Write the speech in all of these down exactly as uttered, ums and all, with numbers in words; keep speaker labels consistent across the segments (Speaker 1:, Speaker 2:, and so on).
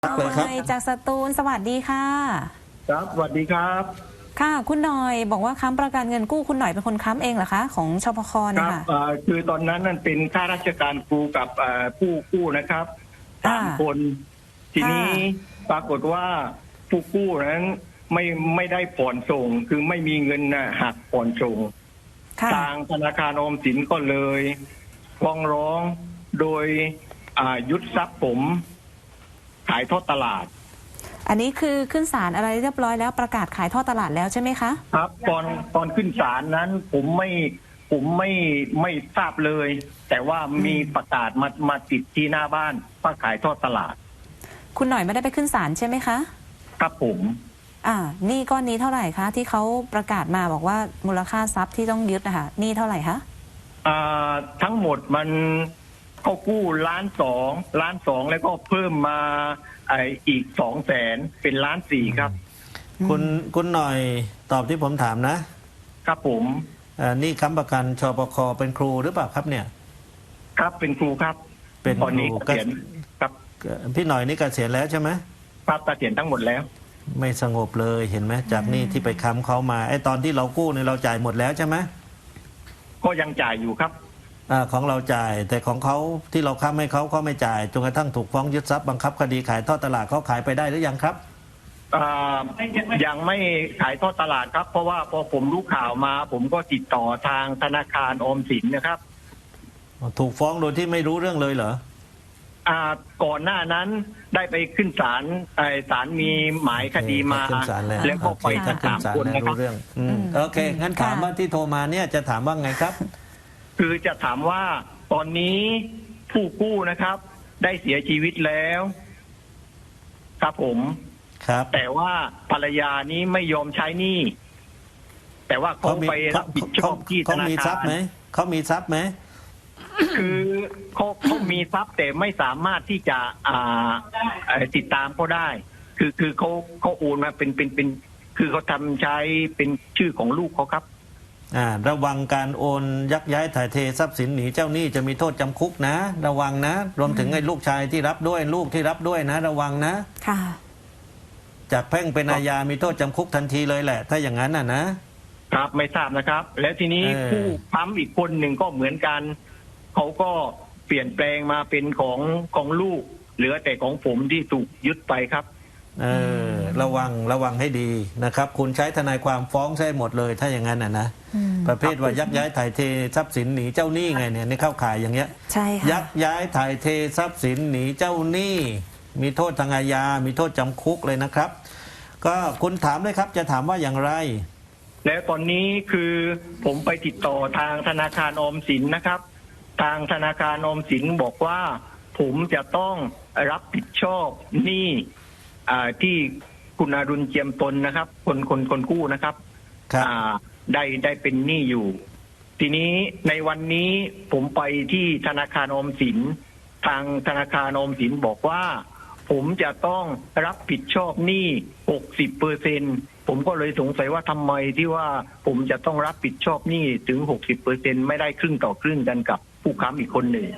Speaker 1: หน่
Speaker 2: เลยครับ
Speaker 1: อยจากสตูลสวัสดีค่ะ
Speaker 3: ครับสวัสดีครับ
Speaker 1: ค่ะคุณหน่อยบอกว่าค้ำประกันเงินกู้คุณหน่อยเป็นคนค้ำเองเหรอคะของชปค
Speaker 3: ค
Speaker 1: เนี่ย
Speaker 3: รับ
Speaker 1: ค่ะ
Speaker 3: คือตอนนั้นนั่นเป็นข้าราชการครูกับผู้กู้นะครับสามคนทีนี้ปรากฏว่าผู้กู้นั้นไม่ไม่ได้ผ่อนส่งคือไม่มีเงินหักผ่อนส่งทางธนาคารออมสินก็เลยฟ้องร้องโดยยึดทรัพย์ผมขายทอดตลาด
Speaker 1: อันนี้คือขึ้นศาลอะไรเรียบร้อยแล้วประกาศขายทอดตลาดแล้วใช่ไหมคะ
Speaker 3: ครับตอนตอนขึ้นศาลนั้นผมไม่ผมไม่ไม่ทราบเลย แต่ว่ามีประกาศมามาติดที่หน้าบ้านว่าขายทอดตลาด
Speaker 1: คุณหน่อยไม่ได้ไปขึ้นศาลใช่ไหมคะ
Speaker 3: ครับผม
Speaker 1: อ่านี่ก้อนนี้เท่าไหร่คะที่เขาประกาศมาบอกว่ามูลค่าทรัพย์ที่ต้องยึดนะคะนี่เท่าไหร่คะ
Speaker 3: อ่าทั้งหมดมันเขากู้ล้านสองล้านสองแล้วก็เพิ่มมาไออีกสองแสนเป็นล้านสี่ครับ
Speaker 2: คุณคุณหน่อยตอบที่ผมถามนะครับ
Speaker 3: ผม
Speaker 2: อ่านี่ค้ำประกันชปคเป็นครูหรือเปล่าครับเนี่ย
Speaker 3: ครับเป็นครูครับ
Speaker 2: เป็น
Speaker 3: ตอนนี้เกษียณครับ
Speaker 2: พี่หน่อยนี่เกษียณแล้วใช่ไหม
Speaker 3: ครับเกษียณทั้งหมดแล้ว
Speaker 2: ไม่สงบเลยเห็นไหมจากนี่ที่ไปค้ำเขามาไอ้ตอนที่เรากู้เนี่ยเราจ่ายหมดแล้วใช่ไหม
Speaker 3: ก็ยังจ่ายอยู่ครับ
Speaker 2: อ่าของเราจ่ายแต่ของเขาที่เราค้ำให้เขาเขาไม่จ่ายจนกระทั่งถูกฟ้องยึดทรัพย์บังคับคดีขายทอดตลาดเขาขายไปได้หรือยังครับ
Speaker 3: อ่ายังไม่ขายทอดตลาดครับเพราะว่าพอผมรู้ข่าวมา ผมก็ติดต่อทางธนาคารออมสินนะครับ
Speaker 2: ถูกฟ้องโดยที่ไม่รู้เรื่องเลยเหรอ
Speaker 3: อ่าก่อนหน้านั้นได้ไปขึ้นศาลศาลมีหมายคดีมาแล้วก็ไปทั้งสามคนนะครับ
Speaker 2: โอเคงั้นถามว่าที่โทรมาเนี่ยจะถามว่าไงครับ
Speaker 3: คือจะถามว่าตอนนี้ผู้กู้นะครับได้เสียชีวิตแล้วครับผม
Speaker 2: ครับ
Speaker 3: แต่ว่าภรรยานี้ไม่ยอมใช้หนี้แต่ว่าเขาไปรับผิดชอบที่ธนาคาร
Speaker 2: เขามีทรัพย์ไหมเขามีทรัพย์ไหม
Speaker 3: คือเขาเขามีทรัพย์แต่ไม่สามารถที่จะอ่าติดตามเขาได้คือคือเขาเขาโอนมาเป็นเป็นเป็นคือเขาทำใช้เป็นชื่อของลูกเขาครับ
Speaker 2: อ่าระวังการโอนยักย้ายถ่ายเททรัพย์สินหนีเจ้าหนี้จะมีโทษจำคุกนะระวังนะรวมถึงไอ้ลูกชายที่รับด้วยลูกที่รับด้วยนะระวังนะ
Speaker 1: ค่ะ
Speaker 2: จากแพ่งเป็นอาญามีโทษจำคุกทันทีเลยแหละถ้าอย่างนั้นน่ะ
Speaker 3: นะครับไม่ทราบนะครับแล้วทีนี้ผู้ค้ำอีกคนหนึ่งก็เหมือนกันเขาก็เปลี่ยนแปลงมาเป็นของของลูกเหลือแต่ของผมที่ถูกยึดไปครับ
Speaker 2: เออระวังระวังให้ดีนะครับคุณใช้ทนายความฟ้องใช่หมดเลยถ้าอย่างนั้นน่ะนะประเภทว่ายักย้ายถ่ายเททรัพย์สินหนีเจ้าหนี้ไงเนี่ยในเข้าข่ายอย่างเงี้ย
Speaker 1: ใช่ค่ะ
Speaker 2: ยักย้ายถ่ายเททรัพย์สินหนีเจ้าหนี้มีโทษทางอาญามีโทษจำคุกเลยนะครับก็คุณถามเลยครับจะถามว่าอย่างไร
Speaker 3: แล้วตอนนี้คือผมไปติดต่อทางธนาคารออมสินนะครับทางธนาคารออมสินบอกว่าผมจะต้องรับผิดชอบหนี้ที่คุณอรุณเจียมตนนะครับคนคนคนกู้นะครับได้ได้เป็นหนี้อยู่ทีนี้ในวันนี้ผมไปที่ธนาคารออมสินทางธนาคารออมสินบอกว่าผมจะต้องรับผิดชอบหนี้ หกสิบเปอร์เซ็นต์ ผมก็เลยสงสัยว่าทำไมที่ว่าผมจะต้องรับผิดชอบหนี้ถึง หกสิบเปอร์เซ็นต์ ไม่ได้ครึ่งต่อครึ่งกันกับผู้ค้ำอีกคนหนึ่ง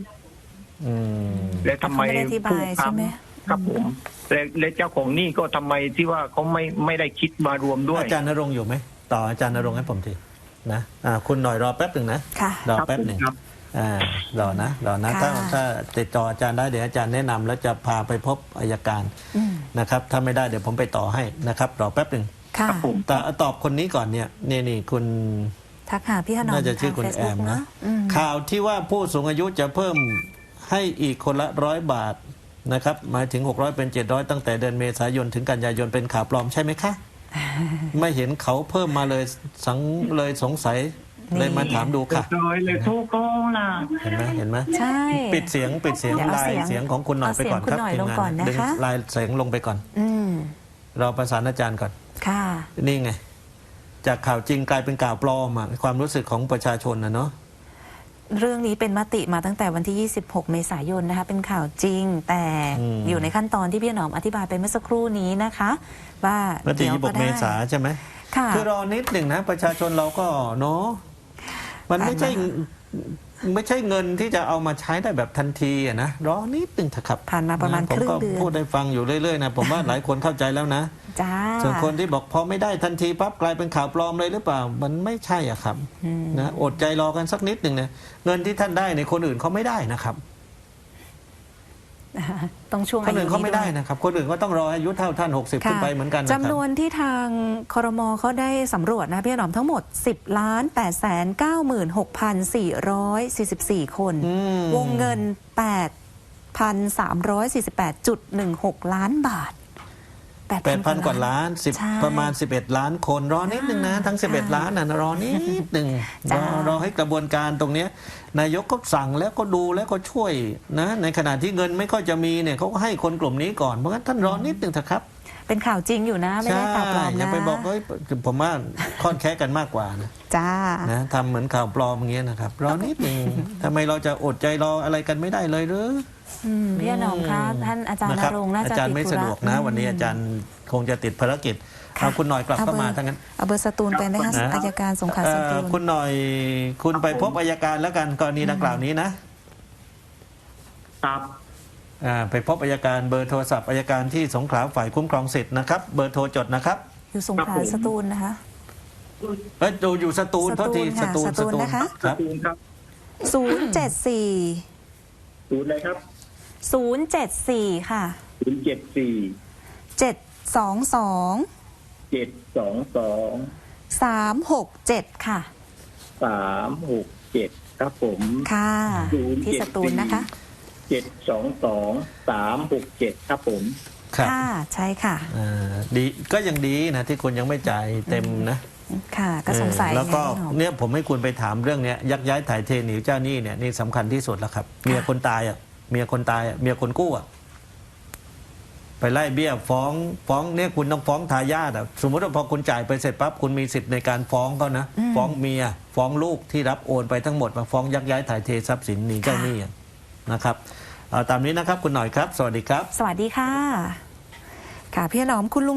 Speaker 3: และทำไมผู้ค้ำครับผมและเจ้าของหนี้ก็ทำไมที่ว่าเขาไม่ไม่ได้คิดมารวมด้วย
Speaker 2: อาจารย์ณรงค์อยู่ไหมต่ออาจารย์ณรงค์ให้ผมทีนะคุณหน่อยรอแป๊บหนึ่งนะรอแป๊บหนึ่งอ่ารอนะรอนะถ้าถ้าติดต่ออาจารย์ได้เดี๋ยวอาจารย์แนะนำแล้วจะพาไปพบอัยการนะครับถ้าไม่ได้เดี๋ยวผมไปต่อให้นะครับรอแป๊บหนึ่งแต่ตอบคนนี้ก่อนเนี่ยนี่นี่คุณ
Speaker 1: ทักหาพี่ถนอม
Speaker 2: น่าจะชื่อคุณแอมนะข่าวที่ว่าผู้สูงอายุจะเพิ่มให้อีกคนละร้อยบาทนะครับหมายถึงหกร้อยเป็นเจ็ดร้อยตั้งแต่เดือนเมษายนถึงกันยายนเป็นข่าวปลอมใช่ไหมคะไม่เห็นเขาเพิ่มมาเลยสังเลยสงสัยเลยมาถามดูค่ะ
Speaker 3: เลยทุกคนล่ะ
Speaker 2: เห็นไหมเห็นไหม
Speaker 1: ใช่
Speaker 2: ปิดเสียงปิดเสียงลายเสียงของคุณหน่อยไปก่อนครับทีมงานดึงลายเสียงลงไปก่อนเราประสานอาจารย์ก่อน
Speaker 1: ค่ะ
Speaker 2: นี่ไงจากข่าวจริงกลายเป็นข่าวปลอมอ่ะความรู้สึกของประชาชนนะเนาะ
Speaker 1: เรื่องนี้เป็นมติมาตั้งแต่วันที่ยี่สิบหกเมษายนนะคะเป็นข่าวจริงแต่อยู่ในขั้นตอนที่พี่หนอมอธิบายไปเมื่อสักครู่นี้นะคะว่าม
Speaker 2: ติยี่สิบหกเมษาใช่ไหมคือรอนิดหนึ่งนะประชาชนเราก็เนาะมันไม่ใช่ไม่ใช่เงินที่จะเอามาใช้ได้แบบทันทีอะนะรอนิดนึงเถอะครับ
Speaker 1: ผ่านมาประมาณ
Speaker 2: ผ
Speaker 1: ครึ่ง
Speaker 2: ก็
Speaker 1: เดือน
Speaker 2: พูดได้ฟังอยู่เรื่อยๆนะผมว่าหลายคนเข้าใจแล้วนะ
Speaker 1: จ้า
Speaker 2: ส่วนคนที่บอกพอไม่ได้ทันทีปั๊บกลายเป็นข่าวปลอมเลยหรือเปล่ามันไม่ใช่อ่ะครับ
Speaker 1: อืม
Speaker 2: นะอดใจรอกันสักนิดหนึ่งเนี่ยเงินที่ท่านได้ในยคนอื่นเขาไม่ได้นะครับ
Speaker 1: ต้องช่วง
Speaker 2: ค
Speaker 1: อาน ยุ
Speaker 2: อื่นเขาไม่ได้
Speaker 1: ด้วย
Speaker 2: นะครับ คนอื่นก็ต้องรออายุเท่าท่านหกสิบขึ้นไปเหมือนกันนะครับ
Speaker 1: จำนวนที่ทางครมเขาได้สำรวจนะพี่หนอมทั้งหมด สิบล้านแปดแสนเก้าหมื่นหกพันสี่ร้อยสี่สิบสี่ คน
Speaker 2: อืม
Speaker 1: วงเงิน แปดพันสามร้อยสี่สิบแปดจุดหนึ่งหก ล้านบาท
Speaker 2: แปดพันกว่าล้านสิบ
Speaker 1: ใช่
Speaker 2: ประมาณสิบเอ็ดล้านคนรอนิดนึงนะทั้งสิบเอ็ดล้านน่ะรอนิดนึงร
Speaker 1: จ้า
Speaker 2: อรอให้กระบวนการตรงเนี้ยนายกก็สั่งแล้วก็ดูแล้วก็ช่วยนะในขณะที่เงินไม่ค่อยจะมีเนี่ยเขาก็ให้คนกลุ่มนี้ก่อนเพราะงั้นท่านรอนิดนึงเถอะครับ
Speaker 1: เป็นข่าวจริงอยู่นะ ไม่ได้ข่าวปลอม
Speaker 2: อย่า
Speaker 1: นะ
Speaker 2: ไปบอกเฮ้ยผมว่าค่อนแค้กันมากกว่านะ
Speaker 1: จ้า
Speaker 2: นะทำเหมือนข่าวปลอมอย่างเงี้ยนะครับรอนิดนึงทำไมเราจะอดใจรออะไรกันไม่ได้เลยหรือ
Speaker 1: อืมพี่หนอมคะท่านอาจารย์
Speaker 2: นะ
Speaker 1: ณ
Speaker 2: ครับ
Speaker 1: รงค์น่า
Speaker 2: อา
Speaker 1: จะ
Speaker 2: จารย์
Speaker 1: ติ
Speaker 2: ไม่
Speaker 1: ธุ
Speaker 2: สะ
Speaker 1: ระ
Speaker 2: ดวกนะ วันนี้อาจารย์คงจะติดภารกิจ
Speaker 1: ค่ะ
Speaker 2: เอาคุณหน่อยกลับเข้ามาทั้งนั้น
Speaker 1: เอาเบอร์สตูลไปไหมคะ
Speaker 2: นะ
Speaker 1: อัยการสงขลา
Speaker 2: เอ่
Speaker 1: ส
Speaker 2: อ
Speaker 1: ตูล
Speaker 2: คุณหน่อยคุณไปพบอัยการแล้วกันกรณีดังกล่าวนี้นะ
Speaker 3: ครับ
Speaker 2: อ่าไปพบอัยการเบอร์โทรศัพท์อัยการที่สงขลาฝ่ายคุ้มครองสิทธิ์นะครับเบอร์โทรจดนะครับ
Speaker 1: อยู่สงข
Speaker 3: ครั
Speaker 1: ลา
Speaker 3: บผม
Speaker 1: สตูลนะคะ
Speaker 2: เอ้ยดูอยู่สตูล
Speaker 1: สตูล
Speaker 2: โทษที
Speaker 1: ค่ะ
Speaker 2: สตูล
Speaker 1: สตูลนะคะ
Speaker 2: ครับ
Speaker 3: ศูนย์ครับ
Speaker 1: ศูนย์เจ็ดสี่
Speaker 3: ศูนย์เลยครับ
Speaker 1: ศูนย์เจ็ดสี่ค่ะ
Speaker 3: ศูนย์เจ็ดสี่
Speaker 1: เจ็ดสองสอง
Speaker 3: เจ็ดสองสอง
Speaker 1: สามหกเจ็ดค่ะ
Speaker 3: สามหกเจ็ดครับผม
Speaker 1: ค่ะ
Speaker 3: ศูนย์
Speaker 1: ที่สตูลนะคะ
Speaker 3: เจ็ดสองสองสามหกเจ็ดครับผม
Speaker 2: ครับ
Speaker 1: ค่ะ ใช่ค่ะ
Speaker 2: อ่าดีก็ยังดีนะที่คุณยังไม่จ่ายเต็มนะ
Speaker 1: ค่ะ ก็สงสัย
Speaker 2: เออแล้วก็
Speaker 1: ไงพี่หนอม
Speaker 2: เนี่ยผมให้คุณไปถามเรื่องเนี้ยยักย้ายถ่ายเทหนีเจ้าหนี้เนี่ยนี่สำคัญที่สุดแล้วครับเมียคนตายอ่ะเมียคนตายอ่ะเมียคนกู้อ่ะไปไล่เบี้ยฟ้องฟ้องเนี่ยคุณต้องฟ้องทายาทอ่ะสมมติว่าพอคุณจ่ายไปเสร็จปั๊บคุณมีสิทธิ์ในการฟ้องเขานะ
Speaker 1: อืม
Speaker 2: ฟ้องเมียฟ้องลูกที่รับโอนไปทั้งหมดมาฟ้องยักย้ายถ่ายเททรัพย์สินหนีเจ้าหนี้อ่ะนะครับเอาตามนี้นะครับคุณหน่อยครับ สวัสดีครับ
Speaker 1: สวัสดีค่ะ ค่ะพี่หนอมคุณลุง